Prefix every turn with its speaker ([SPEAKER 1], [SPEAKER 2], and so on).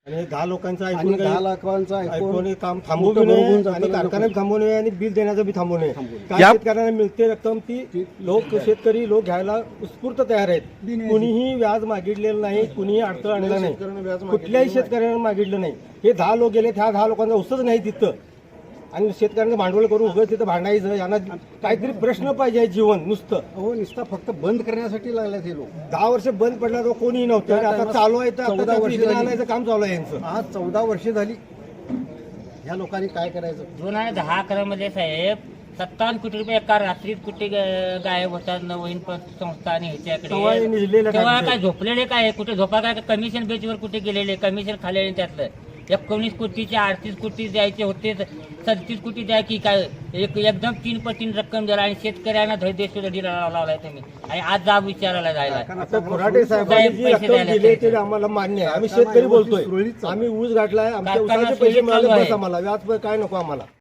[SPEAKER 1] आणि 10 लोकांचं
[SPEAKER 2] आणि
[SPEAKER 1] ऐकून
[SPEAKER 2] 10 लाखांचा
[SPEAKER 1] ऐकून
[SPEAKER 2] ऐकून
[SPEAKER 1] काम थांबवू
[SPEAKER 2] मोठं
[SPEAKER 1] नये
[SPEAKER 2] बघून जातं
[SPEAKER 1] आणि
[SPEAKER 2] लोकं.
[SPEAKER 1] कारखान्यात थांबवू नये आणि बिल देण्याचं बी थांबवू नये. काय
[SPEAKER 3] या-
[SPEAKER 1] शेतकऱ्यांना मिळते रक्कम ती लोक शेतकरी लोक घ्यायला उत्स्फूर्त तयार आहेत. कुणीही व्याज मागितलेलं नाही, कुणीही अडथळा आणला नाही,
[SPEAKER 2] शेतकऱ्यांना व्याज मागितलेलं
[SPEAKER 1] कुठल्याही शेतकऱ्यांना मागितलं नाही. हे 10 लोक गेले, त्या 10 लोकांचा उसच नाही तिथं. आणि शेतकऱ्यांचं भांडवल करून उगाच तिथं भांडायचं, यांना काहीतरी प्रश्न पाहिजे जीवन नुसतं.
[SPEAKER 2] हो नुसता फक्त बंद करण्यासाठी लागल्यात हे लोक.
[SPEAKER 1] 10 वर्ष बंद पडला तर कोणीही नव्हतं आणि आता चालू आहे तर
[SPEAKER 2] 14
[SPEAKER 1] आता
[SPEAKER 2] वर्ष
[SPEAKER 1] निधी
[SPEAKER 2] झाली.
[SPEAKER 1] आणायचं काम चालू आहे यांचं.
[SPEAKER 2] आज 14 वर्षे झाली. ह्या लोकांनी काय करायचं?
[SPEAKER 4] 2010-11 मध्ये साहेब 57 कोटी रुपये एका रात्रीत कुठे गायब होतात नवीन संस्था आणि
[SPEAKER 1] तेव्हा हे
[SPEAKER 4] ह्याच्याकडे
[SPEAKER 1] निजलेलं
[SPEAKER 4] तेव्हा
[SPEAKER 1] टाकतं.
[SPEAKER 4] काय झोपलेले काय कुठे झोपा काय कमिशन बेचवर कुठे गेलेले कमिशन खाल्लेले त्यातलं 19 कोटीचे 38 कोटी द्यायचे होते 37 कोटी द्या की काय एकदम 3 पटीने रक्कम द्यायला आणि शेतकऱ्यांना धैर्य लावलाय तुम्ही आणि आज जाब विचारायला जायला
[SPEAKER 1] आता फराटे साहेबांनी जी
[SPEAKER 4] पैसे
[SPEAKER 1] रक्कम
[SPEAKER 4] द्यायला
[SPEAKER 1] दिली ते
[SPEAKER 4] पाहिजे.
[SPEAKER 1] आम्हाला मान्य आहे. आम्ही शेतकरी बोलतोय,
[SPEAKER 2] सुरळीत चालू.
[SPEAKER 1] आम्ही ऊस गाठलाय, आमच्या
[SPEAKER 4] कारखाना
[SPEAKER 1] ऊसाचे पैसे
[SPEAKER 4] सुरळीत
[SPEAKER 1] मिळाले
[SPEAKER 4] चालू
[SPEAKER 1] बस
[SPEAKER 4] आहे.
[SPEAKER 1] आम्हाला, व्याज काय नको आम्हाला.